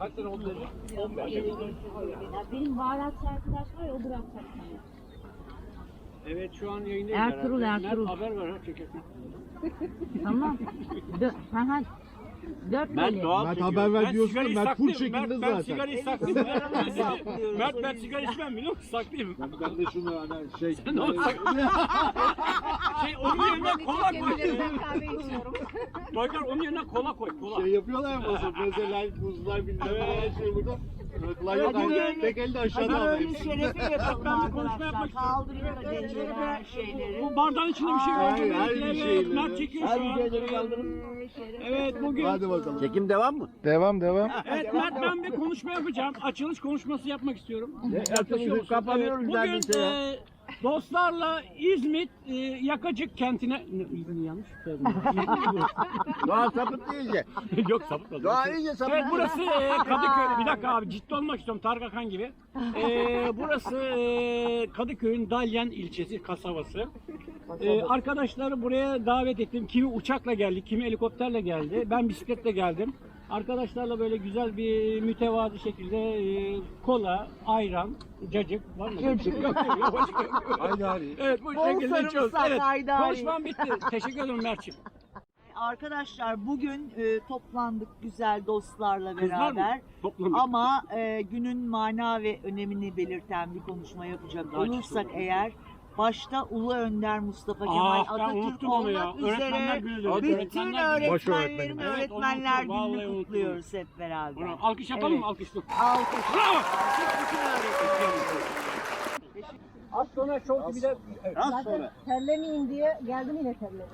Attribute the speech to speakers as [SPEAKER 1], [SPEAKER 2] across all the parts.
[SPEAKER 1] Kaç sene oldu dedi? 15.
[SPEAKER 2] Benim baharatçı arkadaş var ya, o bırakacak.
[SPEAKER 1] Evet, şu an yayındayız.
[SPEAKER 2] Ertuğrul,
[SPEAKER 1] herhalde.
[SPEAKER 2] Ertuğrul.
[SPEAKER 1] Mert haber ver ha, çekersin.
[SPEAKER 2] Tamam. Dört
[SPEAKER 1] Mert
[SPEAKER 2] böyle.
[SPEAKER 1] doğal
[SPEAKER 3] Mert
[SPEAKER 1] çekiyor.
[SPEAKER 3] haber ver
[SPEAKER 1] Ben
[SPEAKER 3] diyorsun
[SPEAKER 1] sigarayı
[SPEAKER 3] da Mert full
[SPEAKER 1] saklayayım.
[SPEAKER 3] çekimde
[SPEAKER 1] Ben
[SPEAKER 3] zaten.
[SPEAKER 1] sigarayı saklayayım. Mert ben sigara içmem biliyor musun? Saklayayım.
[SPEAKER 3] Ben de şunu hani şey...
[SPEAKER 1] Ne olacak? Şey onun yerine kola koy.
[SPEAKER 2] Kahve içiyorum.
[SPEAKER 1] Bakar onun yerine kola koy. Kola.
[SPEAKER 3] Şey yapıyorlar ya mesela mesela buzlar bilmem ne şey burada. Rıklar yok hani tek elde aşağıda alıyor.
[SPEAKER 4] Şerefi yapalım
[SPEAKER 1] Ben bir konuşma
[SPEAKER 4] arkadaşlar.
[SPEAKER 1] yapmak istiyorum.
[SPEAKER 4] Kaldırıyor da dengeler şeyleri.
[SPEAKER 1] Bu bardağın içinde bir şey var.
[SPEAKER 3] Hayır, her bir
[SPEAKER 1] Evet,
[SPEAKER 3] şeyle.
[SPEAKER 1] Mert çekiyor şu an. Evet bugün.
[SPEAKER 3] Hadi bakalım.
[SPEAKER 5] Çekim devam mı?
[SPEAKER 6] Devam.
[SPEAKER 1] Evet Mert ben bir konuşma yapacağım. Açılış konuşması yapmak istiyorum. Yaklaşıyor musun?
[SPEAKER 5] Kapanıyoruz
[SPEAKER 1] Bugün
[SPEAKER 5] neredeyse ya.
[SPEAKER 1] dostlarla İzmit Yakacık kentine... İzmit yanlış söyledim.
[SPEAKER 5] Doğa sapıttı iyice.
[SPEAKER 1] Yok sapıtmadım.
[SPEAKER 5] Doğa iyice sapıttı.
[SPEAKER 1] Evet burası Kadıköy. Bir dakika abi ciddi olmak istiyorum Tarık Akan gibi. Burası Kadıköy'ün Dalyan ilçesi, kasabası. Arkadaşları buraya davet ettim. Kimi uçakla geldi, kimi helikopterle geldi. Ben bisikletle geldim. Arkadaşlarla böyle güzel bir mütevazi şekilde kola, ayran, cacık var mı? Cacık. Yok.
[SPEAKER 3] Haydari.
[SPEAKER 1] Evet bu
[SPEAKER 4] Bol
[SPEAKER 1] şekilde içiyoruz.
[SPEAKER 4] sarımsak,
[SPEAKER 1] Evet,
[SPEAKER 4] haydari.
[SPEAKER 1] konuşmam bitti. Teşekkür ederim Mert'ciğim.
[SPEAKER 4] Arkadaşlar bugün toplandık güzel dostlarla
[SPEAKER 1] Kızlar mı?
[SPEAKER 4] beraber.
[SPEAKER 1] Toplandık.
[SPEAKER 4] Ama günün mana ve önemini belirten bir konuşma yapacak
[SPEAKER 1] Daha
[SPEAKER 4] olursak
[SPEAKER 1] çıktı.
[SPEAKER 4] eğer başta Ulu Önder Mustafa Kemal
[SPEAKER 1] ben
[SPEAKER 4] Atatürk
[SPEAKER 1] unuttum onu ya.
[SPEAKER 4] olmak
[SPEAKER 1] Öğretmenler
[SPEAKER 4] üzere
[SPEAKER 1] günü dedi.
[SPEAKER 4] bütün
[SPEAKER 1] Öğretmenler günü.
[SPEAKER 6] Boş
[SPEAKER 4] öğretmenlerin
[SPEAKER 6] öğretmenim.
[SPEAKER 1] Evet,
[SPEAKER 4] öğretmenler
[SPEAKER 1] unuttum, vallahi
[SPEAKER 4] gününü
[SPEAKER 1] unuttum.
[SPEAKER 4] kutluyoruz hep beraber.
[SPEAKER 1] Bravo. Alkış yapalım mı?
[SPEAKER 4] Evet.
[SPEAKER 1] Alkışlı.
[SPEAKER 4] Alkış.
[SPEAKER 1] Bravo.
[SPEAKER 4] Bütün öğretmenler.
[SPEAKER 1] Az sonra Show TV'de... Evet.
[SPEAKER 3] Az sonra.
[SPEAKER 2] Terlemeyin diye geldim yine terledim.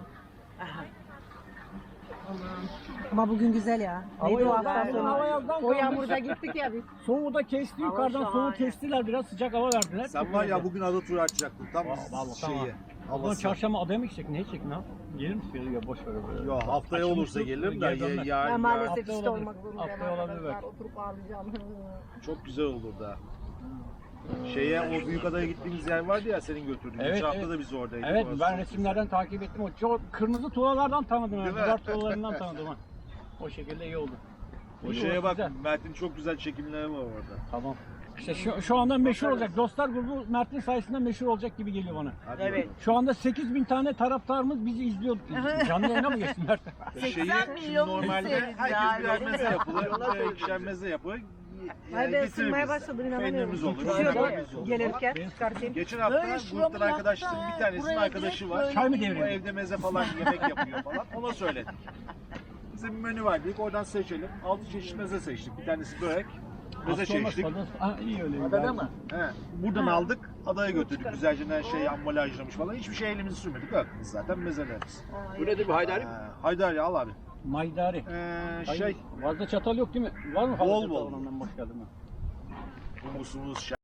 [SPEAKER 2] Ama bugün güzel ya. Neydi o hafta
[SPEAKER 1] Hava
[SPEAKER 2] sonu?
[SPEAKER 1] yazdan
[SPEAKER 2] O
[SPEAKER 1] kaldı.
[SPEAKER 2] yağmurda gittik ya biz.
[SPEAKER 1] Soğuğu da kesti yukarıdan soğuğu kestiler biraz sıcak hava verdiler.
[SPEAKER 3] Sen var ya bugün ada turu açacaktın tam
[SPEAKER 1] Vallahi
[SPEAKER 3] şeyi.
[SPEAKER 1] Ama
[SPEAKER 3] Havası.
[SPEAKER 1] çarşamba adaya mı gidecek? Ne gidecek? Ne yap? Gelir misin? Ya boş ver böyle.
[SPEAKER 3] Yo haftaya
[SPEAKER 1] Açılmış
[SPEAKER 3] olursa
[SPEAKER 1] yok,
[SPEAKER 3] gelirim de
[SPEAKER 1] geri dönmez.
[SPEAKER 3] ya
[SPEAKER 2] Ben maalesef
[SPEAKER 1] Hafta
[SPEAKER 2] işte
[SPEAKER 1] olabilir.
[SPEAKER 2] olmak zorundayım
[SPEAKER 1] Hafta olabilir
[SPEAKER 2] arkadaşlar.
[SPEAKER 1] belki.
[SPEAKER 2] Oturup ağlayacağım.
[SPEAKER 3] çok güzel olur da. Şeye o büyük adaya gittiğimiz yer vardı ya senin götürdüğün.
[SPEAKER 1] Evet,
[SPEAKER 3] Geçen hafta
[SPEAKER 1] evet.
[SPEAKER 3] da biz oradaydık.
[SPEAKER 1] Evet
[SPEAKER 3] Orası
[SPEAKER 1] ben
[SPEAKER 3] çok
[SPEAKER 1] resimlerden takip ettim. O çok kırmızı tuğlalardan tanıdım.
[SPEAKER 3] Değil
[SPEAKER 1] Yani.
[SPEAKER 3] mi?
[SPEAKER 1] Duvar tuğlalarından tanıdım. Ha. O şekilde iyi oldu.
[SPEAKER 3] O
[SPEAKER 1] İyi,
[SPEAKER 3] şeye
[SPEAKER 1] orası
[SPEAKER 3] bak
[SPEAKER 1] güzel.
[SPEAKER 3] Mert'in çok güzel çekimleri var orada.
[SPEAKER 1] Tamam. İşte şu anda meşhur olacak. Dostlar grubu Mert'in sayesinde meşhur olacak gibi geliyor bana.
[SPEAKER 3] Hadi
[SPEAKER 4] Evet.
[SPEAKER 3] bakalım.
[SPEAKER 1] Şu anda 8.000 tane taraftarımız bizi izliyor. Canlı yayına mı geçtin Mert?
[SPEAKER 4] 80
[SPEAKER 3] Şeyi şimdi
[SPEAKER 4] milyon
[SPEAKER 3] normalde
[SPEAKER 4] izleriz ya,
[SPEAKER 3] herkes birer
[SPEAKER 4] öyle
[SPEAKER 3] meze
[SPEAKER 4] mi?
[SPEAKER 3] yapılır. İkişer meze yapılır.
[SPEAKER 2] Ay ben ısınmaya başladım inanamıyorum.
[SPEAKER 3] Peynirimiz olur.
[SPEAKER 2] Düşüyordu
[SPEAKER 3] biberimiz olur.
[SPEAKER 2] gelirken çıkartayım.
[SPEAKER 3] Geçen hafta gruptan arkadaşların bir tanesinin arkadaşı var.
[SPEAKER 1] Çay mı
[SPEAKER 3] O
[SPEAKER 1] deviriyor?
[SPEAKER 3] evde meze falan yemek yapıyor falan. Ona söyledik. Bize bir menü var dedik oradan seçelim. 6 çeşit meze seçtik. Bir tanesi börek. Meze seçtik.
[SPEAKER 1] Ha, iyi öyle.
[SPEAKER 5] Adada mı?
[SPEAKER 3] He. Buradan aldık. Adaya götürdük. Güzelce her şey ambalajlamış falan. Hiçbir şey elimizi sürmedik. Aklımız zaten mezelerimiz.
[SPEAKER 5] Bu nedir bu Haydari?
[SPEAKER 3] Haydari al abi.
[SPEAKER 1] Maydari.
[SPEAKER 3] Şey
[SPEAKER 1] Fazla çatal yok değil mi? Var mı?
[SPEAKER 3] Bol
[SPEAKER 1] fazla
[SPEAKER 3] bol.
[SPEAKER 1] çatal? Ondan boş geldim ben.
[SPEAKER 3] humusumuz,